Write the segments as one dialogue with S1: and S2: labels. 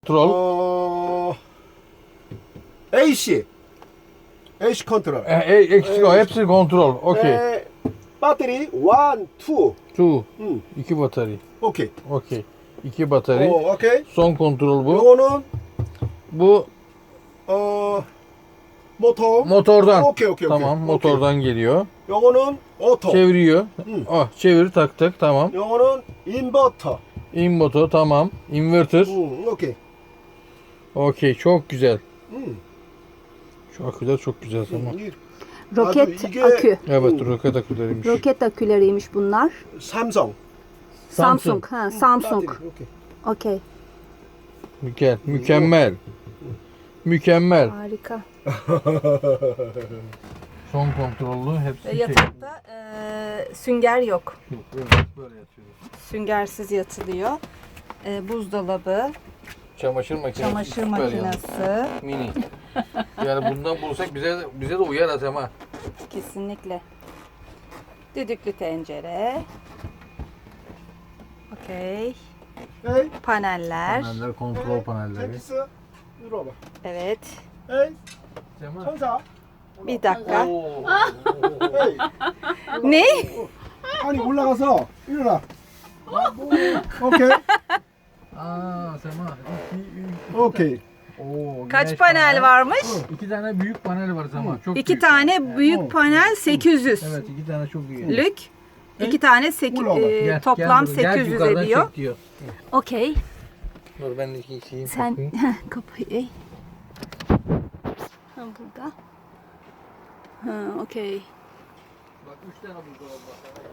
S1: Kontrol.
S2: AC. AC kontrol.
S1: Eksik o. Hepsi kontrol. Okey.
S2: Battery 1, 2.
S1: Two.
S2: Hmm.
S1: 2 batarya.
S2: Okey.
S1: Okey. 2 batarya.
S2: okey.
S1: Son kontrol bu.
S2: 요거는
S1: Bu
S2: 모tor.
S1: motordan.
S2: Okey.
S1: Tamam, motordan geliyor.
S2: 요거는 오토.
S1: Çeviriyor.
S2: Hı.
S1: Çevir taktık. Tamam.
S2: 요거는 인버터.
S1: Inverter tamam. Inverter.
S2: 오케이.
S1: Okey. Çok güzel.
S2: 음.
S1: Şu aküler çok güzel tamam.
S2: 이
S3: Roket
S2: 이게-
S3: akü.
S1: Evet, roket aküleriymiş.
S3: Roket aküleriymiş bunlar.
S2: 삼성.
S3: Samsung. Ha, Samsung.
S2: 배터리, 오케이.
S3: Okey.
S1: Mükemmel. Mükemmel.
S3: Harika.
S1: Son kontrollü hepsi
S3: Yatakta sünger yok.
S1: Böyle yatıyoruz.
S3: Süngersiz yatılıyor. Buzdolabı,
S1: Çamaşır makinesi.
S3: çamaşır
S1: süper yani.
S3: makinesi.
S1: Mini. Yani bundan bulsak bize de uyar Atema.
S3: Kesinlikle. Düdüklü tencere. Okey.
S2: 에이.
S3: Paneller.
S1: Paneller, kontrol panelleri.
S2: 텍스. 이리 와봐.
S3: Evet.
S2: 에이.
S1: Sema.
S2: 천사.
S3: Bir dakika.
S1: Oo.
S2: 에이.
S3: Ne?
S2: 아니 올라가서 일어나. 오케이.
S1: Aa Sema.
S2: 오케이.
S1: Oo,
S3: Kaç
S1: güneş
S3: panel
S1: panel.
S3: varmış?
S1: 2 tane büyük panel var Sema. Çok
S3: 2
S1: büyük.
S3: tane büyük panel 800.
S1: Evet, 2 tane çok iyi.
S3: Lük. 2 tane
S1: Gel,
S3: toplam
S1: gel, gel
S3: 800
S1: yukarıdan
S3: ediyor.
S1: çek diyor.
S3: Okey.
S1: Dur ben de ikisiyim.
S3: Sen kapıyı. Ha, burada. Ha, okey.
S1: Bak 3 tane buzdolabı var.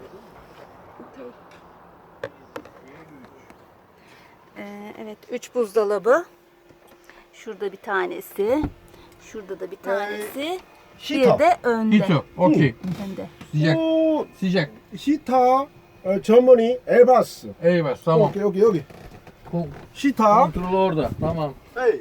S3: Evet, 3 buzdolabı. Şurada bir tanesi. Şurada da bir tanesi. Bir
S2: 히터.
S3: de önde.
S1: Hito. Okey.
S3: Önde.
S1: Sıcak.
S2: 오,
S1: Sıcak.
S2: 히터 전문이 에바스.
S1: Eyvah tamam.
S2: 오케이 여기.
S1: Kon-
S2: 히터.
S1: Kontrol orada. Tamam.
S2: 에이.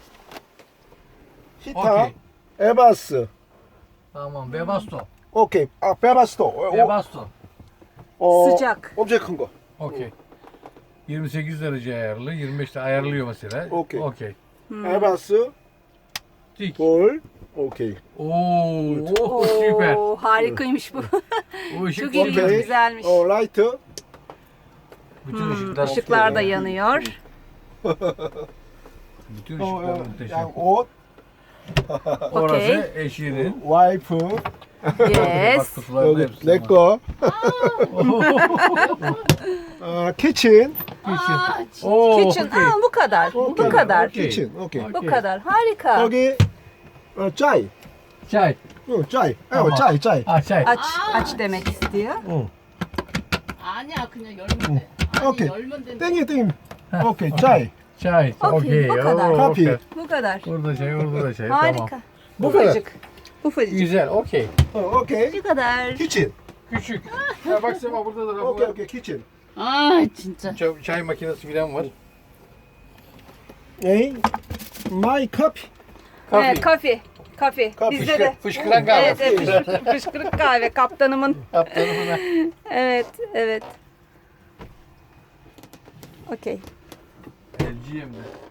S2: 히터.
S1: Okey.
S2: 에바스.
S1: Tamam. Webasto.
S2: 오케이. 아 베바스도.
S1: Webasto.
S3: Sıcak.
S2: 엄청 큰 거.
S1: Okey. 28 derece ayarlı. 25'te ayarlıyor mesela.
S2: Okey.
S1: Okey.
S2: 에바스.
S1: Tik.
S2: 볼. 오케이.
S1: Oo, süper.
S3: Oo, harikaymış bu.
S1: O ışık
S3: Çok ilginç,
S2: Okey.
S3: güzelmiş.
S2: 라이트.
S1: Bütün ışıklar.
S3: Işıklar da yanıyor.
S1: Bütün ışıklar muhteşem.
S2: 양 옷.
S1: Orası
S3: Okey.
S1: eşinin.
S2: 와이프.
S3: Yes.
S1: Bak kutularda
S2: 여기
S1: hepsi var.
S2: 내 거. 키친.
S1: Oo,
S3: Kitchen.
S1: okey.
S3: Aa, bu kadar. Bu kadar.
S1: Okey.
S2: 키친. 오케이.
S3: Bu kadar. Harika.
S2: 여기 짜이.
S1: Çay.
S2: 짜이.
S1: tamam.
S2: 짜이.
S1: Ah çay.
S3: Aç demek istiyor.
S4: 아니야 그냥 열면 돼. 아니
S2: 오케이.
S4: 열면 된다.
S2: 땡이. 오케이. 짜이.
S1: Çay.
S3: Okey,
S1: Okey.
S3: bu kadar.
S1: Oo,
S2: Kapi.
S1: okey.
S3: Bu kadar.
S1: Orada çay, orada da çay. Tamam.
S3: Harika.
S2: Bu kadar.
S3: Ufacık. Ufacık.
S1: Güzel. Okey.
S2: 오케이.
S3: Bu kadar.
S2: 키친.
S1: Küçük. Ya bak Sema burada da rafı
S2: 오케이.
S1: var.
S2: 오케이. 키친.
S4: 아 진짜.
S1: Çay makinesi falan var.
S2: 에이. 마이 커피.
S3: Evet, kafe. Bizde de.
S1: Fışkıran kahve.
S3: Evet, evet, fışkırık kahve kaptanımın.
S1: Kaptanımına.
S3: Evet. Okey.
S1: LG'yim de.